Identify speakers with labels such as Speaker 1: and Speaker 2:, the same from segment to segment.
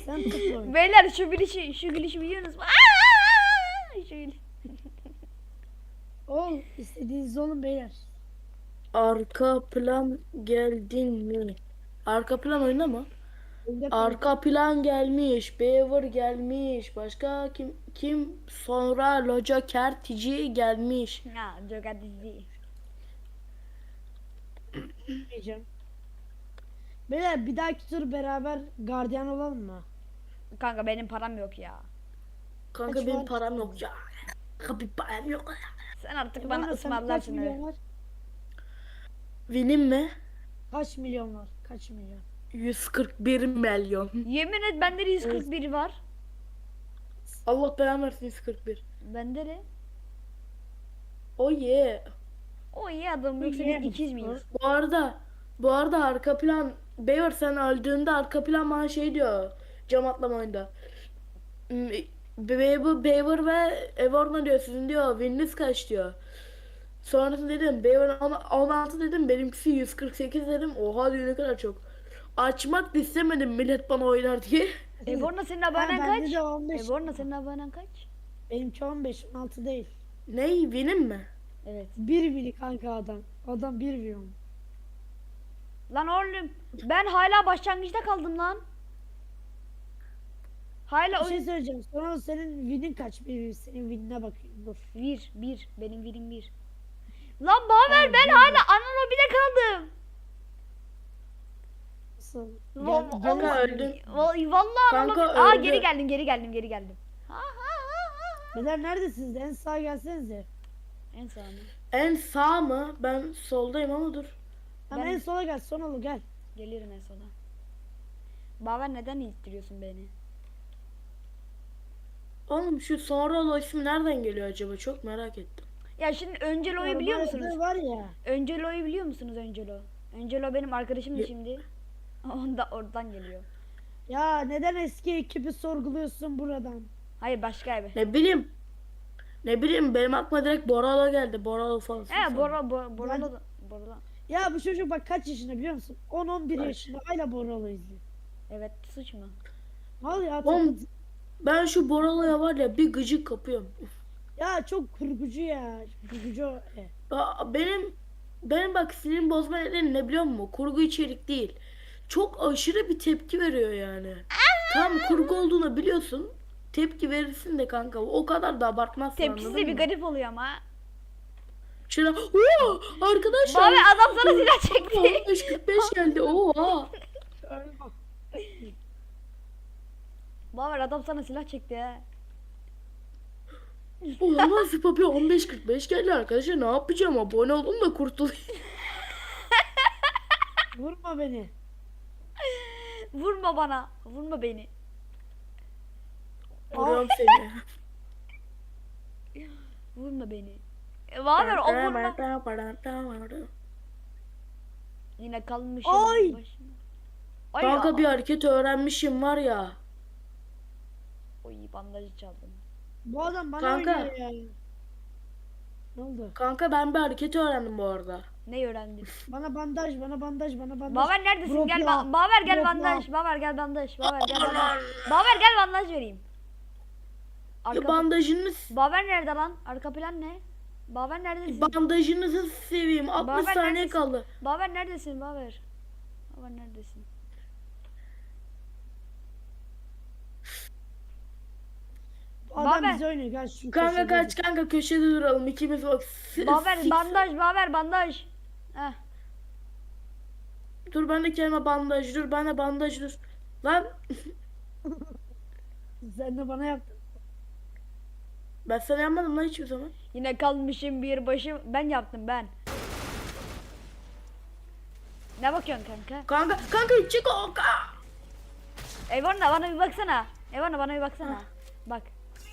Speaker 1: Sen tut oyunu.
Speaker 2: Beyler şu gülüşü biliyorsunuz mu? Aa! Şu gülüş.
Speaker 1: Ol istediğiniz olun beyler.
Speaker 3: Arka plan geldin mi? Arka plan oyunda mı?
Speaker 1: Önde kanka.
Speaker 3: Arka plan gelmiş. Beaver gelmiş. Başka kim? Sonra Loca Kertici gelmiş.
Speaker 2: Ha, Joker dizi.
Speaker 1: Diyeceğim. Beyler bir dahaki tur beraber gardiyan olalım mı?
Speaker 2: Kanka benim param yok ya.
Speaker 3: Kanka
Speaker 1: Kaç
Speaker 3: benim
Speaker 1: var?
Speaker 3: param yok ya. Kanka bir param yok.
Speaker 2: Sen artık
Speaker 1: Bana
Speaker 2: bana
Speaker 1: sen kaç
Speaker 2: ısmarlarsın
Speaker 1: milyon
Speaker 2: öyle.
Speaker 1: var?
Speaker 3: Benim mi?
Speaker 1: Kaç milyon var? Kaç milyon?
Speaker 3: 141 milyon.
Speaker 2: Yemin et bende de 141 var.
Speaker 3: Allah belanı versin 141.
Speaker 2: Bende de.
Speaker 3: Oh yeah.
Speaker 2: O iyi adam yoksa
Speaker 1: Yeah.
Speaker 2: biz 200 miyiz?
Speaker 3: Bu arada arka plan Beaver sen öldüğünde arka plan bana şey diyor. Cam atlama oyunda. Beaver ve Evorna diyor sizin diyor wininiz kaç diyor. Sonrasında dedim Beaver 16 dedim benimkisi 148 dedim. Oha diyor ne kadar çok. Açmak da istemedim millet bana oynar diye.
Speaker 2: Eborna senin
Speaker 1: Ha,
Speaker 2: abonen
Speaker 1: bende
Speaker 2: kaç?
Speaker 1: de 15.
Speaker 2: Eborna senin abonen kaç?
Speaker 1: Benimki 15, 16 değil.
Speaker 3: Ne winim mi?
Speaker 2: Evet.
Speaker 1: 1 biri kanka adam. Adam 1 milyon.
Speaker 2: Lan oğlum ben hala başlangıçta kaldım lan. Hala
Speaker 1: Bir şey
Speaker 2: oyun...
Speaker 1: söyleyeceğim. Sonra senin win'in kaç? Bir senin win'ine bakayım. Dur.
Speaker 2: Bir. Benim birim bir. Lan Baver ben hala ana lobide kaldım.
Speaker 1: Nasıl?
Speaker 3: Kanka öldün.
Speaker 2: Vallahi ana
Speaker 3: Kanka
Speaker 2: lobi... Aa
Speaker 3: öldü.
Speaker 2: geri geldim. Ha.
Speaker 1: Beyler neredesiniz? En sağa gelsenize.
Speaker 2: En sağ mı?
Speaker 3: En sağ mı? Ben soldayım ama dur.
Speaker 1: Tamam
Speaker 2: Ben-
Speaker 1: en sola gel. Sonalı gel.
Speaker 2: Geliyorum en sona. Baver neden ittiriyorsun beni?
Speaker 3: Oğlum şu sonra ismi nereden geliyor acaba? Çok merak ettim.
Speaker 2: Ya şimdi Öncelo'yu biliyor
Speaker 1: Arabada
Speaker 2: musunuz?
Speaker 1: var ya.
Speaker 2: Öncelo'yu biliyor musunuz Öncelo? Öncelo benim arkadaşımdı
Speaker 3: Ye-
Speaker 2: şimdi. Oradan geliyor.
Speaker 1: Ya neden eski ekibi sorguluyorsun buradan?
Speaker 2: Hayır başka evi.
Speaker 3: Ne bileyim benim aklıma direkt Boralo geldi. Boralo falan.
Speaker 2: He Boralo.
Speaker 1: Ya bu çocuk bak kaç yaşında biliyor musun? 10-11
Speaker 3: Kaç?
Speaker 1: yaşında hala Boralo izliyor.
Speaker 2: Evet suç mu?
Speaker 1: Al ya
Speaker 3: Oğlum
Speaker 1: takıl.
Speaker 3: ben şu Boralo'ya var ya bir gıcık kapıyorum.
Speaker 1: Ya çok kurgucu ya. Kurgucu.
Speaker 3: Benim bak sinir bozma nedeni ne biliyor musun? Kurgu içerik değil. Çok aşırı bir tepki veriyor yani. Tam kurgu olduğunu biliyorsun. Tepki verirsin de kanka. O kadar da abartmazsın
Speaker 2: Tepkisi
Speaker 3: anladın
Speaker 2: bir
Speaker 3: mı?
Speaker 2: garip oluyor ama.
Speaker 3: Şöyle "Oo, arkadaşlar.
Speaker 2: Baver adam sana silah çekti.
Speaker 3: 15-45 geldi. Oha.
Speaker 2: Baver adam sana silah çekti he.
Speaker 3: Olamaz papi 15-45 geldi arkadaşlar. Ne yapacağım? Abone olun da kurtulayım.
Speaker 1: Vurma beni.
Speaker 2: Vurma bana. Vurma beni.
Speaker 3: Vuruyorum seni.
Speaker 2: Vurma beni. Baver o vurma. Yine kalmışım.
Speaker 1: Ay!
Speaker 2: başıma. Ay
Speaker 3: Kanka bir hareket öğrenmişim var ya.
Speaker 2: Oy bandajı çaldım.
Speaker 1: Bu adam bana
Speaker 3: Kanka.
Speaker 1: oynuyor ya. Ne oldu?
Speaker 3: Kanka ben bir hareket öğrendim bu arada.
Speaker 2: Ne öğrendin?
Speaker 1: Bana bandaj, bana bandaj, bana bandaj.
Speaker 2: Baver neredesin?
Speaker 1: Drop
Speaker 2: Gel
Speaker 1: ya.
Speaker 2: Baver gel
Speaker 1: Drop
Speaker 2: bandaj.
Speaker 1: ya.
Speaker 2: Baver gel bandaj. Baver gel bandaj. Baver gel bandaj vereyim.
Speaker 3: Ya bandajını
Speaker 2: Baver nerede lan? Arka plan ne? Baver neredesin?
Speaker 3: bandajınızı seveyim. 60
Speaker 2: Baver
Speaker 3: saniye
Speaker 2: neredesin?
Speaker 3: kaldı.
Speaker 2: Baver neredesin Baver? Baver neredesin?
Speaker 1: Bu adam
Speaker 2: Baver.
Speaker 1: bize oynuyor. Gel şu
Speaker 3: Kanka
Speaker 1: köşede
Speaker 3: kaç
Speaker 1: dur.
Speaker 3: kanka köşede duralım ikimiz bak.
Speaker 2: Baver bandaj, Baver bandaj. Heh.
Speaker 3: Dur ben de kelime bandaj dur ben de bandaj dur. Lan
Speaker 1: Sen de bana yaptın.
Speaker 3: ben sana yapmadım lan hiçbir zaman.
Speaker 2: Yine kalmışım bir başım. Ben yaptım ben. Ne bakıyorsun kanka?
Speaker 3: Kanka çık o.
Speaker 2: Evana bana bir baksana. Evana bana bir baksana. Bak.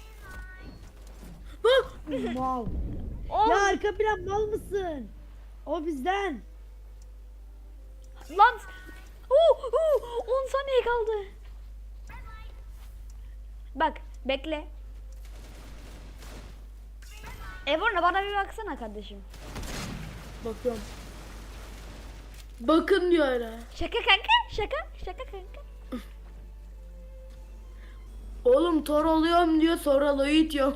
Speaker 3: Bak.
Speaker 1: Mal.
Speaker 2: Oh,
Speaker 1: Ya arka plan mal mısın? O bizden.
Speaker 2: lan. 10 saniye kaldı. Bak bekle. Evana bana bir baksana kardeşim.
Speaker 3: Bakıyorum. Bakın diyor hala.
Speaker 2: Şaka kanka. Şaka kanka.
Speaker 3: Oğlum Thor oluyorum diyor, sonra Lo'yu itiyor.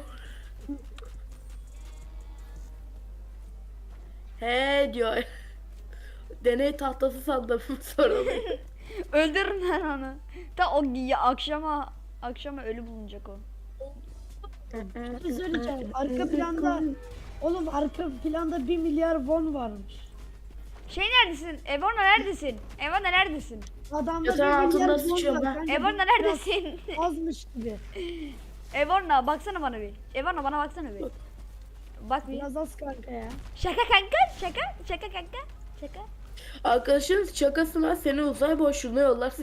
Speaker 3: He diyor. Deney tahtası sandım sonra Lo'yu.
Speaker 2: Öldürürüm ben onu. Ta o ya, akşama ölü bulunacak o.
Speaker 1: Bir şey söyleyeceğim. Arka planda oğlum arka planda 1 milyar won varmış.
Speaker 2: Şey neredesin? Evorna neredesin? Evorna neredesin?
Speaker 1: Adamda
Speaker 3: Yatağın
Speaker 1: 1 milyar
Speaker 3: altında
Speaker 1: won
Speaker 3: sıçıyorum
Speaker 1: var.
Speaker 3: ben.
Speaker 1: Bence
Speaker 2: Evorna
Speaker 1: biraz
Speaker 2: neredesin?
Speaker 1: azmış gibi.
Speaker 2: Evorna baksana bana bir. Evorna bana baksana bir. Bak bir.
Speaker 1: Biraz az kanka ya.
Speaker 2: Şaka kanka, şaka kanka, şaka.
Speaker 3: Arkadaşın şakasına seni uzay boşluğuna yollar.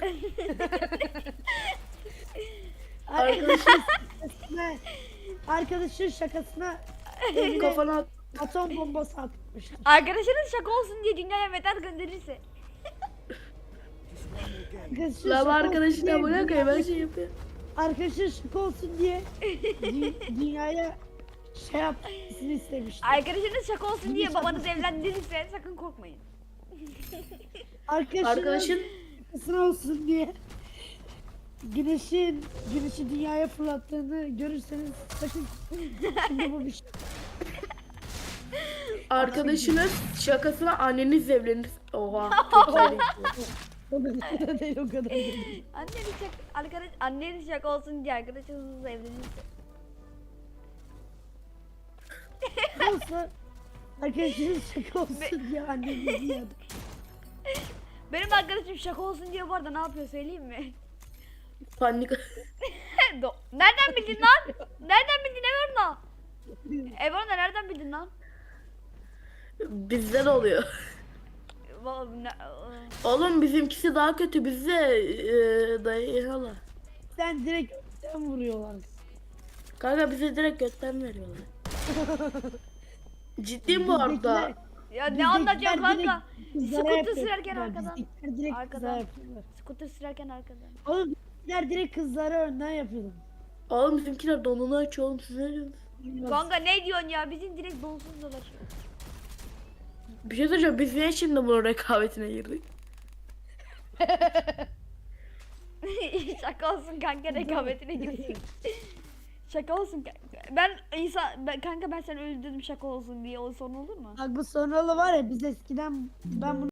Speaker 1: Arkadaşın şakasına eline
Speaker 3: Kafana
Speaker 1: atom bombası atmıştır.
Speaker 2: Arkadaşınız şaka olsun diye dünyaya metal gönderirse.
Speaker 1: Arkadaşın
Speaker 3: la
Speaker 1: şaka olsun
Speaker 3: arkadaşına
Speaker 1: diye
Speaker 3: bırak ya ben şey yapıyorum.
Speaker 1: Arkadaşın şaka olsun diye dünyaya şey yapmasını istemiştir.
Speaker 2: Arkadaşınız şaka olsun diye babanız evlendirirse sakın korkmayın.
Speaker 1: Arkadaşın
Speaker 3: Arkadaşın
Speaker 1: şakasına olsun diye güneşi dünyaya fırlattığını görürseniz sakın şimdi bu bir şey.
Speaker 3: arkadaşınız şakasına anneniz evlenir. Oha. Çok güzel.
Speaker 1: O kadar değil, o kadar değil.
Speaker 2: Anneniz şaka olsun diye arkadaşınızla evlenirse.
Speaker 1: Olsa arkadaşınız şaka olsun diye annenizi yadı.
Speaker 2: Benim arkadaşım şaka olsun diye bu arada ne yapıyor söyleyeyim mi?
Speaker 3: Panik.
Speaker 2: Nereden bildin lan? Nereden bildin Evorna? Evorna nereden bildin lan?
Speaker 3: Bizde de oluyor. Oğlum bizimkisi daha kötü. Bize dayanıyorlar.
Speaker 1: Sen direkt öpten vuruyorlar.
Speaker 3: Kanka bize direkt götten veriyorlar. Ciddiyim bu arada.
Speaker 2: Ya ne anlatıyorsun kanka?
Speaker 1: Kızlara
Speaker 2: Scooter
Speaker 1: yapıyorlar.
Speaker 2: sürerken arkadan.
Speaker 1: Bizimkiler direkt
Speaker 2: Arkadan.
Speaker 1: kızlara yapıyorlar.
Speaker 2: Scooter sürerken arkadan.
Speaker 1: Oğlum bizimkiler direkt kızlara önden yapıyorlar.
Speaker 3: Oğlum bizimkiler donunu açıyor oğlum, siz ne diyorsunuz?
Speaker 2: Kanka ne diyorsun ya? Bizim direkt donsuz dolaşıyor.
Speaker 3: Bir şey söyleyeceğim, biz niye şimdi bunun rekabetine girdik?
Speaker 2: Şaka olsun kanka rekabetine girsin. Şaka olsun kanka. Kanka ben seni öldürdüm şaka olsun diye o son olur mu?
Speaker 1: Bak bu sonralı var ya biz eskiden ben bunu